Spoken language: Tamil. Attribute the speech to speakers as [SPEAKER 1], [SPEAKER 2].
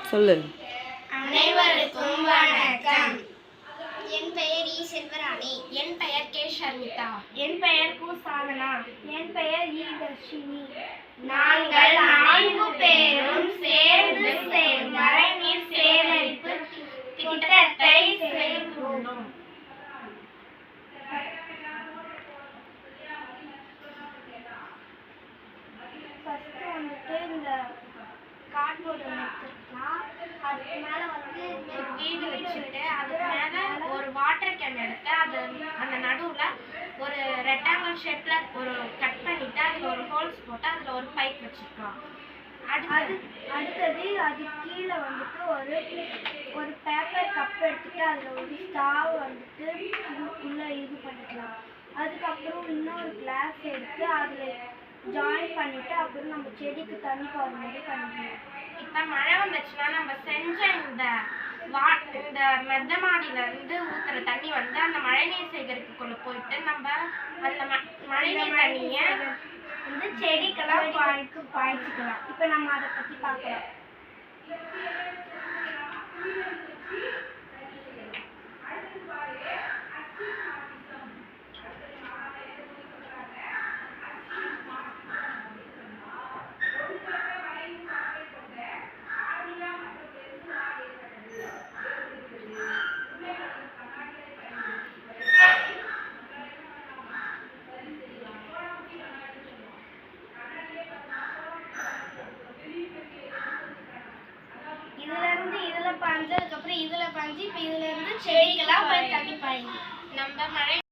[SPEAKER 1] சொல்லு.
[SPEAKER 2] அனைவருக்கும் வணக்கம். என் பெயர் இ. செல்வராணி.
[SPEAKER 3] என் பெயர் கே. ஷர்மிதா.
[SPEAKER 2] என் பெயர் கு. சாதனா.
[SPEAKER 4] என் பெயர் இ. தர்ஷினி.
[SPEAKER 2] நாங்கள் 4 பேரும் சேர்ந்து மழைநீர் சேகரிப்பு திட்டத்தை செய்துள்ளோம்.
[SPEAKER 4] ஃபர்ஸ்ட் வந்துட்டு இந்த கார்ட்போர்டு எடுத்துக்கலாம். அதுக்கு மேல வந்து
[SPEAKER 3] ஒரு வீடு வச்சுட்டு அதுக்கு மேல ஒரு வாட்டர் கேன் எடுத்து அது அந்த நடுவுல ஒரு ரெக்டாங்கிள் ஷேப்ல ஒரு கட் பண்ணிட்டு அதுல ஒரு ஹோல்ஸ் போட்டு அதுல ஒரு பைப் வச்சிருக்கோம்.
[SPEAKER 4] அடுத்தது அது கீழே வந்துட்டு ஒரு பேப்பர் கப் எடுத்துட்டு அதுல ஒரு ஸ்டாவ் வந்துட்டு உள்ள இது பண்ணிக்கலாம். அதுக்கப்புறம் இன்னொரு கிளாஸ் எடுத்து அதுல ஜாயின் பண்ணிட்டு அப்புறம் நம்ம செடிக்கு தண்ணி போகிற மாதிரி பண்ணிக்கலாம்.
[SPEAKER 3] இப்ப மழை வந்துச்சுன்னா நம்ம செஞ்ச இந்த மெத்த மாடியில இருந்து ஊத்துற தண்ணி வந்து அந்த மழைநீர் சேகரிப்புக்குள்ள போயிட்டு நம்ம அந்த மழைநீர் தண்ணிய
[SPEAKER 4] வந்து செடிக்கெல்லாம் பாய்ச்சிக்கலாம். இப்போ நம்ம அதை பற்றி பார்க்கலாம்.
[SPEAKER 2] இதுல பாஞ்சதுக்கு அப்புறம் இதுல பாஞ்சு இப்ப இதுல இருந்து செடிக்கெல்லாம் போய் தண்ணி பாயுங்க.
[SPEAKER 3] நம்ம மழை